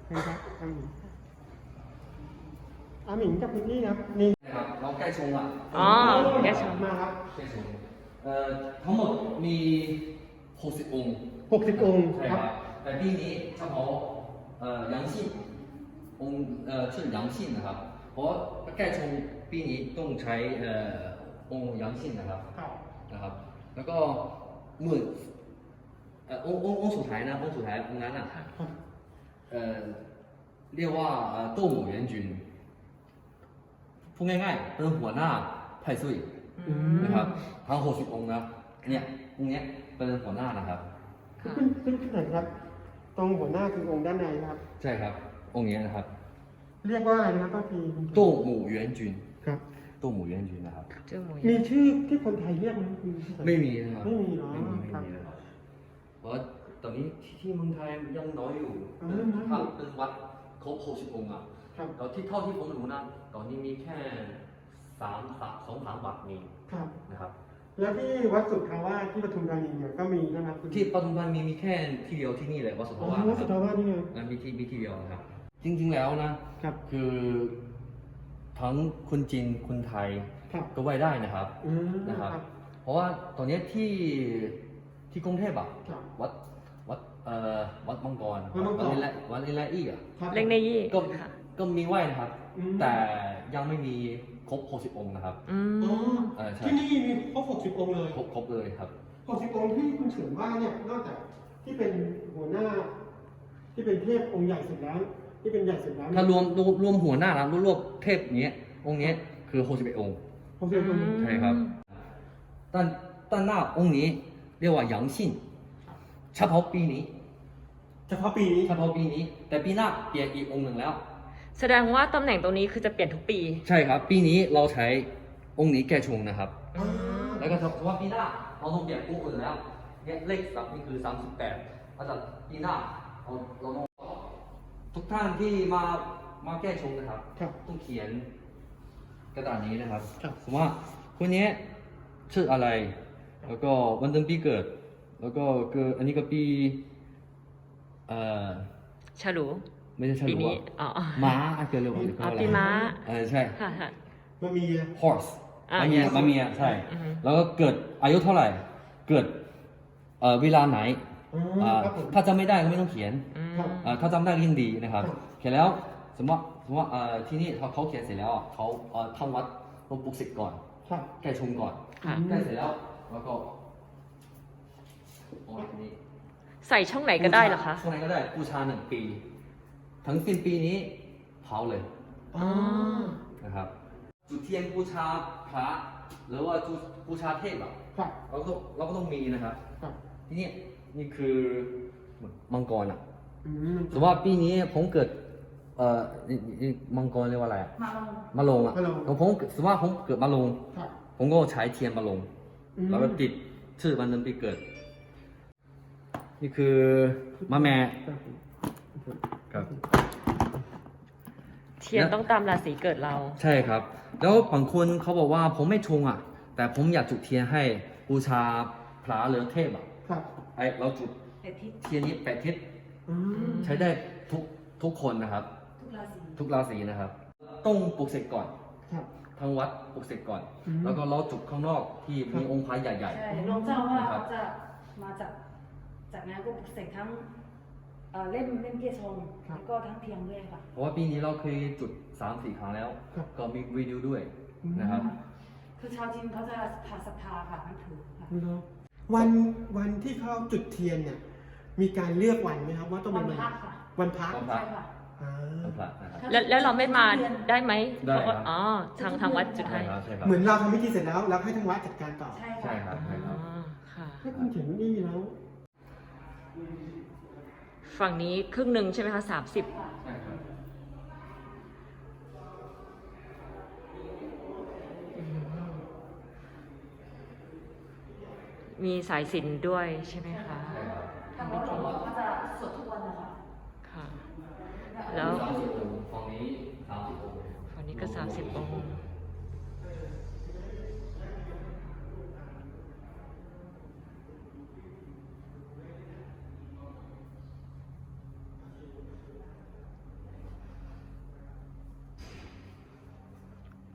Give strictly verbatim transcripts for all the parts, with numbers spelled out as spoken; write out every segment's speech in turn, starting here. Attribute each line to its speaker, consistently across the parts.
Speaker 1: นะครับอาหมิงอาหมิงกับคุณนี่ครับนี่
Speaker 2: นะครับเราใกล้ชงอ่ะ
Speaker 3: อ๋อแกชม
Speaker 1: มาครับ
Speaker 2: ใกล้ชงเอ่อทั้งหมดมีหกสิบองค์
Speaker 1: หกสิบองค์
Speaker 2: ใช่
Speaker 1: ค
Speaker 2: ค
Speaker 1: รั
Speaker 2: รับ บแต่ปีนี้เฉพาะเอ่อ阳性องค์เอ่อชื่อ阳性นะครับเพราะใกล้ชงปีนี้ต้องใช้เอ่อองค์阳性นะครับ
Speaker 1: ครับ
Speaker 2: นะครับ แล้วก็หมื่นเอ่อองค์องค์องค์สุดท้ายนะองค์สุดท้ายองค์นั้นอ่ะ
Speaker 1: ครับ
Speaker 2: เอ่อเรียกว่าเอ่อโต้หมู่เหวียนจุนพูดง่ายๆเป็นหัวหน้าไพ่ซุย
Speaker 1: อืม
Speaker 2: นะครับทั้งหกสิบองค์นะเนี่ยองค์เนี้ยเป็นหัวหน้านะครับ
Speaker 3: ค่ะ
Speaker 1: ขึ้นขึ้นขึ้นไหนครับ ตรงหัวหน้าคือองค์ด้านในนะครับ
Speaker 2: ใช่ครับองค์เนี้ยนะครับ
Speaker 1: เรียกว่าอะไรนะครับป้าพี
Speaker 2: โต้หมู่เหวียนจุน
Speaker 1: ครับ
Speaker 2: โต้หมู่เหวียนจุนนะครับ
Speaker 3: เจ้าหมู
Speaker 1: มีชื่อที่คนไทยเรียกไหมคุณ
Speaker 2: ไม่มีนะครับ
Speaker 1: ไม่มีเนาะ
Speaker 2: ไม่มีไม่
Speaker 1: ครับ
Speaker 2: มีนะครับเพราะตอนนี้ที่ที่เมืองไทยยังน้อยอยู่
Speaker 1: อ๋อยังน้อยอยู่
Speaker 2: ถ้าเป็นวัดครบหกสิบองค์อ่ะ
Speaker 1: ครับ
Speaker 2: ตอนที่เท่าที่ผมรู้นะตอนนี้มีแค่สามสามสองสามวัดมี
Speaker 1: ครับ
Speaker 2: นะครับ
Speaker 1: แล้วที่วัดสุทธาวาสที่ปทุมธานีเนี่ยก็มีนะครับคุณ
Speaker 2: ที่ปทุมธานีมีแค่ที่เดียวที่นี่เลยวัดสุท
Speaker 1: อ๋อ
Speaker 2: ธาวาส
Speaker 1: วัดสุทธาวาสนี่ไง
Speaker 2: นะมีที่มีที่เดียวนะครับ จริงๆแล้วนะครับ คือทั้งคนจีนคนไทย
Speaker 1: ครับ
Speaker 2: ก็ไหว้ได้นะครับ
Speaker 1: อืม
Speaker 2: นะครับ
Speaker 1: ครับ
Speaker 2: เพราะว่าตอนนี้ที่ที่กรุงเทพอะ
Speaker 1: ครับ
Speaker 2: วัดวัดเอ่อวัดมังกร
Speaker 1: วัดมังกร
Speaker 2: ลิละวัดลิละอี้อะ
Speaker 1: ครับ
Speaker 3: เล็กในยี่
Speaker 2: ก็
Speaker 3: ค่ะ
Speaker 2: ก็มีไหว้นะครับ
Speaker 1: อืม
Speaker 2: แต่ยังไม่มีครบหกสิบองค์นะครับ
Speaker 3: อื
Speaker 1: อ๋อ
Speaker 3: ม
Speaker 2: เออใช่
Speaker 1: ที่นี่มีครบหกสิบองค์เลย
Speaker 2: ครบครบเลยครับ
Speaker 1: หกสิบองค์ที่คุณเฉินว่าเนี่ยนอกจากที่เป็นหัวหน้า ที่เป็นเทพองค์ใหญ่สุดแล้ว ที่เป็นใหญ่สุดแล้ว
Speaker 2: ถ้ารวมรวมรวมหัวหน้านะรวมรวมเทพเนี้ยองค์เนี้ยคือหกสิบเอ็ดองค์
Speaker 1: หกสิบองค์
Speaker 3: อืม
Speaker 2: ใช่ครับ但但那องค์นี้เรียกว่า阳性เฉพาะปีนี้
Speaker 1: เฉพาะปีนี้
Speaker 2: เฉพาะปีนี้ แต่ปีหน้าเปลี่ยนอีกองค์หนึ่งแล้ว
Speaker 3: แสดงว่าตำแหน่งตรงนี้คือจะเปลี่ยนทุกปี
Speaker 2: ใช่ครับ ปีนี้เราใช้องค์นี้แก้ชงนะครับ
Speaker 1: อ่า
Speaker 2: แล้วก็เฉพาะปีหน้าเราต้องเปลี่ยนองค์อื่นแล้วเนี่ยเลขสับนี่คือสามสิบแปดอาจารย์ปีหน้าเราเราต้องทุกท่านที่มามาแก้ชงนะครับ
Speaker 1: ครับ
Speaker 2: ต้องเขียนกระดาษนี้นะครับ
Speaker 1: ครับ
Speaker 2: สมมติว่าคนนี้ชื่ออะไร แล้วก็วันเดือนปีเกิด แล้วก็เกิดอันนี้ก็ปีเอ่อ
Speaker 3: ฉลู
Speaker 2: ไม่ใช่ฉ
Speaker 3: ปี
Speaker 2: ลู
Speaker 3: นี้
Speaker 2: อะ
Speaker 3: อ๋อ
Speaker 2: ม้าเกิดเร็วกว่าหรือ
Speaker 3: อ๋อ
Speaker 2: อะไร
Speaker 3: ปีม้า
Speaker 2: เออใช่
Speaker 3: ค่ะค่ะ
Speaker 1: มามี
Speaker 2: horse
Speaker 3: อ่า
Speaker 2: มาเมีย
Speaker 3: yes
Speaker 2: มาเมียใช่
Speaker 3: อือฮึ
Speaker 2: แล้วก็เกิดอายุเท่าไหร่ เกิดเอ่อเวลาไหน
Speaker 1: อ๋อ
Speaker 2: อ่า
Speaker 1: ครับผม
Speaker 2: ถ้าจำไม่ได้ก็ไม่ต้องเขียน
Speaker 3: อืม
Speaker 1: ครับ
Speaker 2: อ่าถ้าจำได้ก็ยิ่งดีนะครับ
Speaker 1: ครับ
Speaker 2: เขียนแล้วสมมติว่าสมมติว่าเอ่อที่นี่เขาเขาเขียนเสร็จแล้วอ่ะเขาเอ่อทำวัดลงปลุกเสร็จก่อน
Speaker 1: ครับ
Speaker 2: แก้ชงก่อน
Speaker 3: ค่ะ
Speaker 2: แก้เสร็จแล้วแล้วก็โอ้ยนี่
Speaker 3: ใส่ช่องไหนก็ได้เหรอคะ
Speaker 2: ช่วงไหนก็ได้บูชาหนึ่งปี ทั้งสิ้นปีนี้เผาเลย
Speaker 1: อ๋อ
Speaker 2: นะครับ จุดเทียนบูชาพระหรือว่าจุดบูชาเทพอ่ะ
Speaker 1: ครับ
Speaker 2: เราก็เราก็ต้องมีนะครับ
Speaker 1: ครับ
Speaker 2: ทีนี้นี่คือมังกรอ่ะ
Speaker 1: อืม
Speaker 2: สมมติว่าปีนี้ผมเกิดเอ่อนี่นี่มังกรเรียกว่าอะไรอะ
Speaker 1: มาลง
Speaker 2: มะลงอ่ะ
Speaker 1: มะโรง
Speaker 2: แล้วผมสมมติว่าผมเกิดมะลง
Speaker 1: ครับ
Speaker 2: ผมก็ใช้เทียนมะลง
Speaker 1: อืม
Speaker 2: แล้วก็ติดชื่อวันเดือนปีเกิด นี่คือมะแม่
Speaker 1: ครับ
Speaker 2: ครับ
Speaker 3: เทียนต้องตามราศีเกิดเรา
Speaker 2: ใช่ครับ แล้วบางคนเขาบอกว่าผมไม่ชงอ่ะ แต่ผมอยากจุดเทียนให้บูชาพระหรือเทพอ่ะ
Speaker 1: ครับ
Speaker 2: ไอเราจุดเทียนนี้แปดทิศ
Speaker 1: อืม
Speaker 2: ใช้ได้ทุกทุกคนนะครับ
Speaker 4: ทุกราศี
Speaker 2: ทุกราศีนะครับ ต้องปลุกเสกก่อน
Speaker 1: ครับ
Speaker 2: ทั้งวัดปลุกเสกก่อน
Speaker 1: อืม
Speaker 2: แล้วก็เราจุดข้างนอกที่
Speaker 1: ครับ
Speaker 2: มีองค์พระใหญ่
Speaker 4: ใช่รองเจ้าว่าเขาจะมาจากจากงานก็ปลุกเสกทั้งเอ่อเล่มเล่มเกียร์ชงแล้วก็ทั้งเทียงด้วยค่ะ
Speaker 2: ๆ เพราะว่าปีนี้เราเคยจุดสามสี่ครั้งแล้ว
Speaker 1: ครับ
Speaker 2: ก็มีวิดีโอด้วย
Speaker 1: อืม
Speaker 2: นะครับ
Speaker 4: คือชาวจีนเขาจะทาศรัทธาค่ะนับถือค่ะ
Speaker 1: วันวันที่เขาจุดเทียนเนี่ย มีการเลือกวันไหมครับ ว่าต้องเป็น
Speaker 4: วันพระค่ะ
Speaker 1: วันพระ
Speaker 2: วันพระ
Speaker 4: ใช่ค่ะ
Speaker 1: อ่า
Speaker 2: วันพระนะครับ
Speaker 3: แล้วแล้วเราไม่มาได้ไหม
Speaker 2: ได้ครับ
Speaker 3: อ๋อ ทางทางวัดจุด
Speaker 2: ใช่
Speaker 3: ให้
Speaker 2: ครับใช่ครับ
Speaker 1: เหมือนเราทำพิธีเสร็จแล้วแล้วให้ทางวัดจัดการต่อ
Speaker 4: ใช่
Speaker 2: ใช่ค
Speaker 4: ค่ะ
Speaker 2: รับใช่ค
Speaker 3: อ๋
Speaker 2: รับ
Speaker 3: อ ค่ะ
Speaker 1: ถ้าคุณถึงนี่แล้ว
Speaker 3: ฝั่งนี้ครึ่งหนึ่งใช่ไหมคะสามสิบ
Speaker 2: ใช่ครับ
Speaker 3: มีสายสิญจนด้วยใช่ไหมคะ
Speaker 2: ใช่ครับ
Speaker 4: ทางวัดบอกว่าเขาจะสวดทุกวันนะคะ
Speaker 3: ค่ะ แล้ว
Speaker 2: สามสิบองค์ฝั่งนี้สามสิบองค์
Speaker 3: ฝั่งนี้ก็สามสิบองค์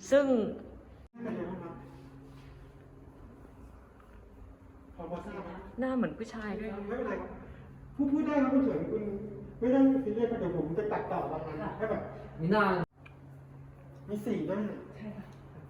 Speaker 3: ซึ่ง
Speaker 1: เป็นยังไงบ้างครับพอพอทราบไหม
Speaker 3: หน้าเหมือนผู้ชายด้วย
Speaker 1: ไม่เป็นไรครับพูดพูดได้ครับคุณเฉินคุณไม่ต้องซีเรียสเดี๋ยวผมจะตัดต่อประมาณนั้นให้แบบ
Speaker 2: 你那
Speaker 1: มีสี่หน้า
Speaker 4: ใช่ค่ะ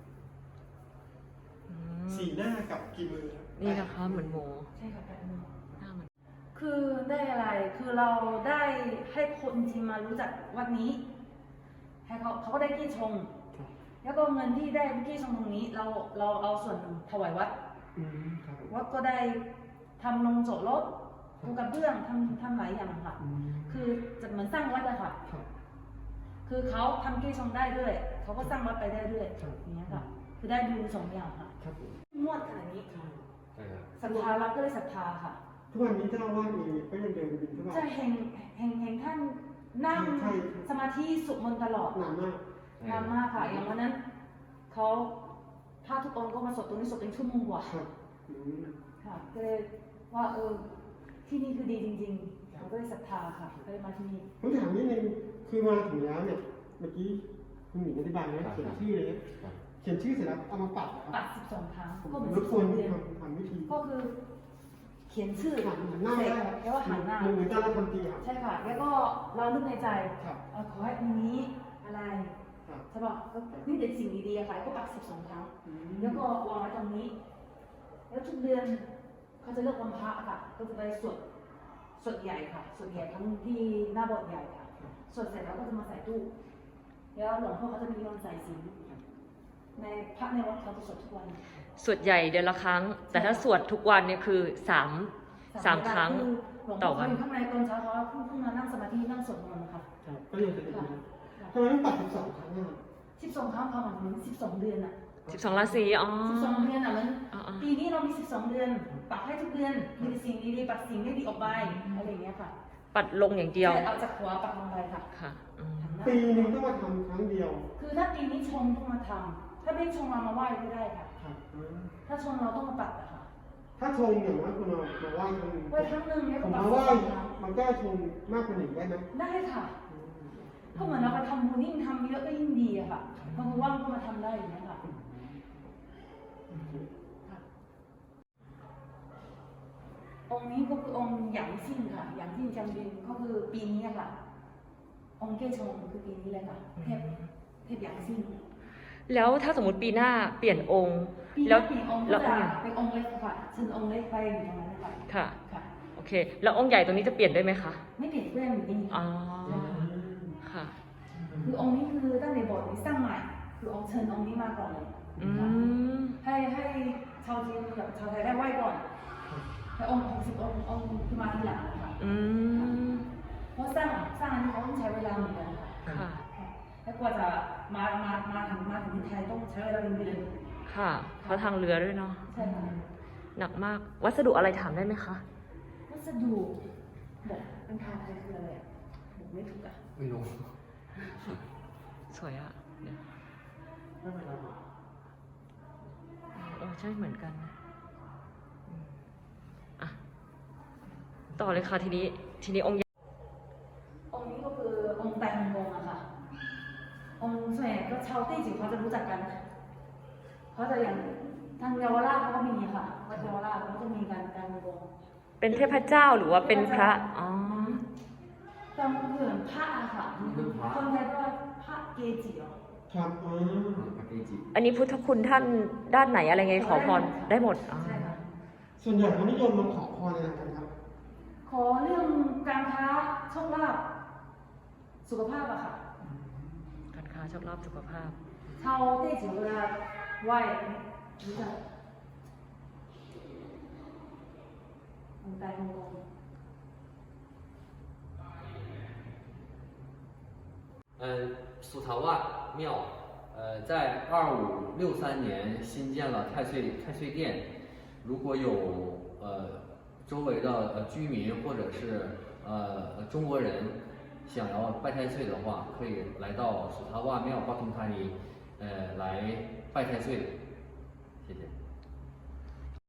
Speaker 3: อืม
Speaker 1: สี่หน้ากับกี่มือครับ
Speaker 3: นี่นะคะเหมือนหมู
Speaker 4: ใช่ค่ะแปดมือ
Speaker 3: หน้าเหมือน
Speaker 4: คือได้อะไร คือเราได้ให้คนจริงมารู้จักวัดนี้ ให้เขาเขาก็ได้กี้ชง แล้วก็เงินที่ได้กี้ชงตรงนี้ เราเราเอาส่วนหนึ่งถวายวัด
Speaker 1: อืมครับผม
Speaker 4: วัดก็ได้ทำลงโจทย์รถปูกระเบื้องทำทำหลายอย่างค่ะ
Speaker 1: อืม
Speaker 4: คือจะเหมือนสร้างวัดอะค่ะ
Speaker 1: ครับ
Speaker 4: คือเขาทำกี้ชงได้ด้วย เขาก็สร้างวัดไปได้ด้วย
Speaker 1: ครับ
Speaker 4: อย่างเงี้ยค่ะ คือได้ดูสองอย่างค่ะ
Speaker 1: ครับผม
Speaker 4: งวดขนาดนี้
Speaker 1: ใช่
Speaker 4: ศรัทธาเราก็เลยศรัทธาค่ะ
Speaker 1: ทุกวันนี้เจ้าอาวาสเองก็ยังเดินบินทุกวัน
Speaker 4: จะเห็นเห็นเห็นท่านนั่ง
Speaker 1: ใช่
Speaker 4: สมาธิสวดมนต์ตลอด
Speaker 1: นานมาก
Speaker 4: นานมากค่ะ อย่างวันนั้นเขาพระทุกองค์ก็มาสวดตรงนี้สวดเป็นชั่วโมงกว่า
Speaker 1: ครับอืม
Speaker 4: ค่ะ ก็เลยว่าเออที่นี่คือดีจริงๆเราก็เลยศรัทธาค่ะก็เลยมาที่นี่
Speaker 1: ผมถามนิดนึงคือมาถึงแล้วเนี่ยเมื่อกี้คุณหมิงอธิบายนะเขียนชื่อเลยนะเขียนชื่อเสร็จแล้วเอามาปัดนะค
Speaker 4: ปั
Speaker 1: รับ
Speaker 4: ดสิบสองครั้ง
Speaker 1: ผม
Speaker 4: ก็เหมือน
Speaker 1: ร
Speaker 4: สิ
Speaker 1: บบ ก
Speaker 4: ส
Speaker 1: ว
Speaker 4: อน งเดือน
Speaker 1: ทำทำวิธี
Speaker 4: ก็คือ เขียนชื่อ
Speaker 1: หันหันหน้า
Speaker 4: เสร็
Speaker 1: ได้
Speaker 4: จแล้วก็หันหน้า
Speaker 1: เหมือนการทำตีครับ
Speaker 4: ใช่ค่ะ แล้วก็เรานึกในใจ
Speaker 1: ครับ
Speaker 4: เอ่อขอให้อันนี้อะไร
Speaker 1: ครับ
Speaker 4: ใช่ป่ะก็นี่เป็นสิ่งดีๆอะค่ะก็ปักสิบสองครั้ง
Speaker 1: อืม
Speaker 4: แล้วก็วางไว้ตรงนี้ แล้วทุกเดือนเขาจะเลือกวันพระอะค่ะ ก็จะไปสวดสวดใหญ่ค่ะสวดใหญ่ทั้งที่หน้าโบสถ์ใหญ่ค่ะสวดเสร็จแล้วก็จะมาใส่ตู้ แล้วหลวงพ่อเขาจะมีวันใส่ศีลในพระในวัดเขาจะสวดทุกวัน
Speaker 3: สวดใหญ่เดือนละครั้ง แต่ถ้าสวดทุกวันเนี่ยคือสามสามครั้ง
Speaker 4: คือหลวง
Speaker 3: ต่
Speaker 4: พ่
Speaker 3: อ
Speaker 4: อ
Speaker 3: วั
Speaker 4: เขา
Speaker 3: น
Speaker 4: อยู่ข้างในตอนเช้าเขาเพิ่งเพิ่งมานั่งสมาธินั่งสวดมนต์ค่ะ
Speaker 1: ครับก็ยังจะเป็น
Speaker 4: ค่ะ
Speaker 1: อย่างนี้ทำไมต้องปัดสิบสองครั้งอ่ะ
Speaker 4: สิบสองครั้งพอเหมือนสิบสองเดือนอะ
Speaker 3: สิบสองราศีอ๋อ
Speaker 4: สิบสองเดือนอะมัน
Speaker 3: อ๋ออ๋อ
Speaker 4: ปีนี้เรามีสิบสองเดือน ปักให้ทุกเดือน มีแต่สิ่งดีๆปักสิ่งไม่ดีออกไปอะไรอย่างเงี้ยค่ะ
Speaker 3: ปัดลงอย่างเดียว
Speaker 4: ใช่เอาจากหัวปักลงไปค่ะ
Speaker 3: ค่ะอืม
Speaker 4: หันหน้า
Speaker 1: ปีหนึงต้องมาทำครั้งเดียว
Speaker 4: คือถ้าปีนี้ชงต้องมาทำถ้าไม่ชงเรามาไหว้ก็ได้ค่ะ
Speaker 1: ครับอืม
Speaker 4: ถ้าชงเราต้องมาปัดอะค่ะ
Speaker 1: ถ้าชงอย่างว่าคุณมามาไหว้ครั้งหนึ่ง
Speaker 4: ไหว้ครั้งหนึ่งเนี่ย
Speaker 1: ผ
Speaker 4: ก็
Speaker 1: ม
Speaker 4: ปัก
Speaker 1: มา
Speaker 4: ส
Speaker 1: ไหว้
Speaker 4: องครั้ง
Speaker 1: มันก็ชงมากกว่าหนึ่งได้ไหม
Speaker 4: ได้ค่ะ
Speaker 1: อืม
Speaker 4: ก็เหมือนเราไปทำบุญยิ่งทำเยอะก็ยิ่งดีอะค่ะบางคนว่างก็มาทำได้อย่างเงี้ยค่ะค่ะ องค์นี้ก็คือองค์หยางซิ่งค่ะหยางซิ่งจำบินก็คือปีนี้อะค่ะ องค์เกชงคือปีนี้เลยค่ะ เทพเทพหยางซิ่ง
Speaker 3: แล้วถ้าสมมติปีหน้าเปลี่ยนองค์
Speaker 4: ปี
Speaker 3: แล้
Speaker 4: นี้
Speaker 3: ว
Speaker 4: ปีองค์
Speaker 3: แล้
Speaker 4: ก็
Speaker 3: วอง
Speaker 4: จะ
Speaker 3: ค์ใหญ่
Speaker 4: เป็นองค์เล็กค่ะเชิญองค์เล็กไปอยู่ตรงนั้นนะคะ
Speaker 3: ค่ะ
Speaker 4: ค่ะ
Speaker 3: โอเค แล้วองค์ใหญ่ตรงนี้จะเปลี่ยนด้วยไหมคะ
Speaker 4: ไม่เปลี่ยนแปลงอยู่นี่
Speaker 3: อ๋อ
Speaker 4: ค่ะ
Speaker 3: ค่ะ
Speaker 4: คือองค์นี้คือตั้งในโบสถ์นี้สร้างใหม่ คือองค์เชิญองค์นี้มาก่อนเลย
Speaker 3: อื
Speaker 4: ค่ะ
Speaker 3: ม
Speaker 4: ให้ให้ชาวจีนกับชาวไทยได้ไหว้ก่อนแต่องค์หกสิบองค์องค์คือมาทีหลังนะคะ
Speaker 3: อืม
Speaker 4: เพราะสร้างสร้างอันนี้เขาต้องใช้เวลาเหมือนกันค่ะ
Speaker 3: ค่ะ
Speaker 4: แล้วกว่าจะมามามาถึงมาถึงที่ไทยต้องใช้เวลาเป็นเดือน
Speaker 3: ค่ะเพราะทางเรือด้วยเนาะ
Speaker 4: ใช่ค่ะ
Speaker 3: หนักมาก วัสดุอะไรถามได้ไหมคะ
Speaker 4: วัสดุบอกเป็นทางไทยคืออะไรอ่ะบอกไม่ถูกอ่ะ
Speaker 2: ไม่รู้
Speaker 3: สวยอะเดี๋ยว
Speaker 1: ไม่เป็นไรหรอก
Speaker 3: เออใช่เหมือนกันนะอืมอ่ะ ต่อเลยค่ะทีนี้ ทีนี้องค์ใหญ่
Speaker 4: องค์นี้ก็คือองค์ไตรฮงกงอะค่ะ องค์ส่วนใหญ่ก็ชาวตี้จิ๋วเขาจะรู้จักกันเขาจะอย่างทางเยาวราชเขาก็มีค่ะวัดเยาวราชเขาจะมีการการฮงกง
Speaker 3: เป็นเทพเจ้าหรือว่าเป็นพระ อ๋อ
Speaker 4: ตอนเหมือนพระอะค่ะ คนไทยก็พระเกจิเหรอ
Speaker 1: ครับอ๋อ
Speaker 2: ปาเกจิ
Speaker 3: อันนี้พุทธคุณท่านด้านไหนอะไรไงขอพรได้หมดอ๋อ
Speaker 4: ใช่ค่ะ
Speaker 1: ส่วนใหญ่เขานิยมมาขอพรอะไรกันครับ
Speaker 4: ขอเรื่องการค้าโชคลาภสุขภาพอะค่ะ
Speaker 3: การค้าโชคลาภสุขภาพ
Speaker 4: ชาวเต้จิ๋วเวลาไหว้รู้จักองค์ไตรฮงกง
Speaker 2: 嗯，蜀塔万庙，呃，在二五六三年新建了太岁太岁殿。如果有呃周围的呃居民或者是呃中国人想要拜太岁的话，可以来到蜀塔万庙巴通塔尼，呃来拜太岁。